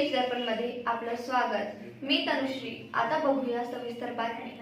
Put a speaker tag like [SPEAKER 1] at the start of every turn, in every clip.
[SPEAKER 1] News दर्पण मध्ये आपलं स्वागत। मी तनुश्री। आता बघूया सविस्तर बातमी।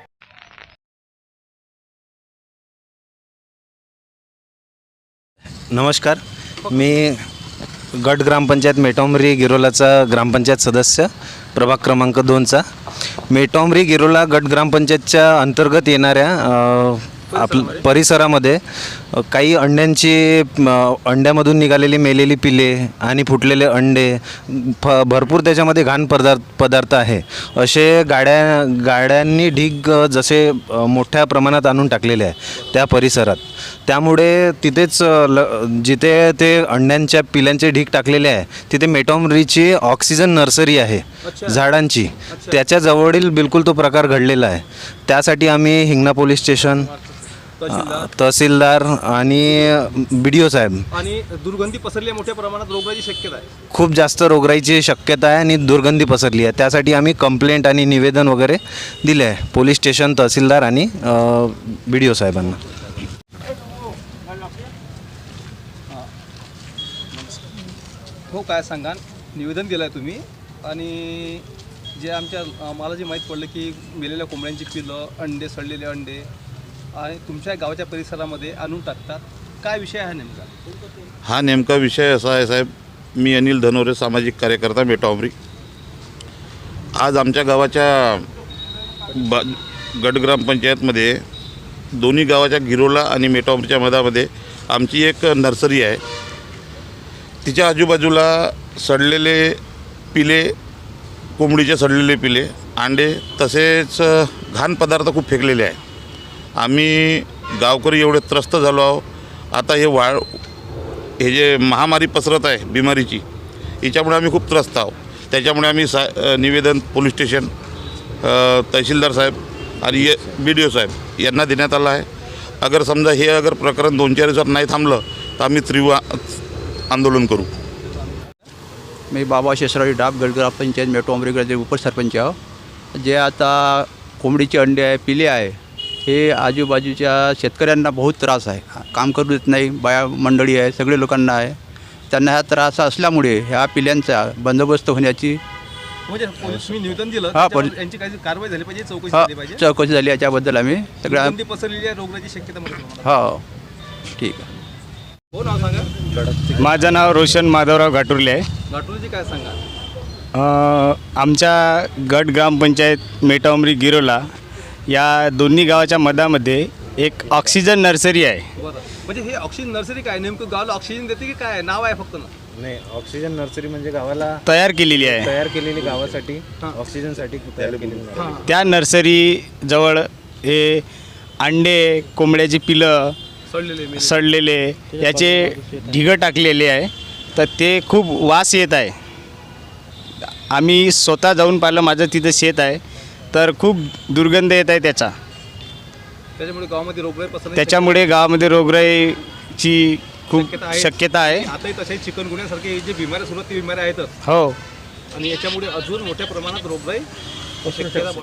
[SPEAKER 2] नमस्कार, मी गट ग्रामपंचायत मेटोमरी गिरोलाचा ग्रामपंचायत सदस्य प्रभाग क्रमांक 2चा। मेटोमरी गिरोला गट ग्रामपंचायतच्या अंतर्गत येणाऱ्या परिसरामध्ये काही अंड्यामधून निघालेली मेलेली पिले आणि फुटलेले अंडे, भरपूर त्याच्यामध्ये घाण पदार्थ आहे। असे गाड्यांनी ढीग जसे मोठ्या प्रमाणात आणून टाकलेले आहे त्या परिसरात। त्यामुळे तिथेच जिथे ते अंड्यांच्या पिल्यांचे ढीग टाकलेले आहे तिथे मेटोमरीची ऑक्सिजन नर्सरी आहे झाडांची, त्याच्या जवळील बिलकुल तो प्रकार घडलेला आहे। त्यासाठी आम्ही हिंगणा पोलीस स्टेशन, तहसीलदार आणि BDO साहेब
[SPEAKER 3] आणि दुर्गंधी पसरली, मोठ्या प्रमाणात रोगराईची शक्यता आहे,
[SPEAKER 2] खूप जास्त रोगराईची शक्यता आहे आणि दुर्गंधी पसरली आहे। त्यासाठी आम्ही कंप्लेंट आणि निवेदन वगैरे दिले आहे पोलीस स्टेशन, तहसीलदार आणि BDO साहेबांना।
[SPEAKER 3] हो, काय सांगा, निवेदन दिलं आहे तुम्ही आणि जे मला जे माहीत पडलं की मेलेल्या कोंबड्यांची पिलं, अंडे, सडलेले अंडे आणि तुमच्या गावाच्या परिसरामध्ये आणून टाकतात, काय विषय आहे नेमका?
[SPEAKER 4] हा नेमका विषय असा आहे साहेब, मी अनिल धनोरे, सामाजिक कार्यकर्ता मेटोमरी। आज आमच्या गावाच्या गट ग्रामपंचायतमध्ये दोन्ही गावाच्या गिरोला आणि मेटोमरीच्या मधामध्ये आमची एक नर्सरी आहे। तिच्या आजूबाजूला सडलेले पिले, कोंबडीचे सडलेले पिले, अंडे तसेच घाण पदार्थ खूप फेकलेले आहे। आम्ही गावकरी एवढे त्रस्त झालो आहो। आता हे जे महामारी पसरत आहे बिमारीची, याच्यामुळे आम्ही खूप त्रस्त आहोत। त्याच्यामुळे आम्ही निवेदन पोलीस स्टेशन, तहसीलदार साहेब आणि BDO साहेब यांना देण्यात आलं आहे। अगर प्रकरण 2-4 दिवसात नाही थांबलं तर आम्ही तीव्र आंदोलन करू।
[SPEAKER 5] मी बाबा शेषराव डाब, गट ग्रामपंचायत मेटोमरीचे उपसरपंच आहो। जे आता कोंबडीचे अंडे आहे, पिले आहे, हे आजूबाजूच्या शेतकऱ्यांना बहुत त्रास आहे। काम करू देत नाही, बाया मंडळी आहे, सगळे लोकांना आहे। त्यांना हा त्रास असल्यामुळे ह्या पिल्यांचा बंदोबस्त होण्याची
[SPEAKER 3] म्हणजे तुम्ही निवेदन दिलं, यांची काही कारवाई झाली पाहिजे, चौकशी झाली पाहिजे।
[SPEAKER 5] चौकशी झाली, याच्याबद्दल आम्ही सगळ्या
[SPEAKER 3] पसरलेली आहे रोगराईची शक्यता म्हणून।
[SPEAKER 5] हो, ठीक आहे।
[SPEAKER 3] हो, नाव सांगा।
[SPEAKER 6] माझं नाव रोशन माधवराव घाटुर्ले आहे।
[SPEAKER 3] घाटुर्लेजी काय सांगा?
[SPEAKER 6] आमच्या गट ग्रामपंचायत मेटोमरी गिरोला या दोन्ही गावाच्या मधामध्ये एक ऑक्सिजन नर्सरी आहे।
[SPEAKER 3] बरं, म्हणजे हे ऑक्सिजन नर्सरी काय, नेमकं गावाला ऑक्सिजन देते की काय, नाव आहे फक्त?
[SPEAKER 2] नाही, ऑक्सिजन नर्सरी म्हणजे गावाला
[SPEAKER 6] तयार केलेली आहे,
[SPEAKER 2] तयार केलेली गावासाठी ऑक्सिजनसाठी तयार केलेली।
[SPEAKER 6] त्या नर्सरी जवळ हे अंडे, कोंबड्याची पिलं, सडलेले याचे ढिगं टाकलेले आहे। तर ते खूप वास येत आहे। आम्ही स्वतः जाऊन पाहिलं, माझं तिथं शेत आहे, तर खूप दुर्गंध येत आहे त्याचा। त्याच्यामुळे गावामध्ये रोगराईची खूप शक्यता आहे।
[SPEAKER 3] आताही तसे चिकनगुन्यासारखे जे बिमाऱ्या सुरू आहेत, ते बिमाऱ्या आहेतच।
[SPEAKER 6] हो,
[SPEAKER 3] आणि याच्यामुळे अजून मोठ्या प्रमाणात रोगराई शक्यता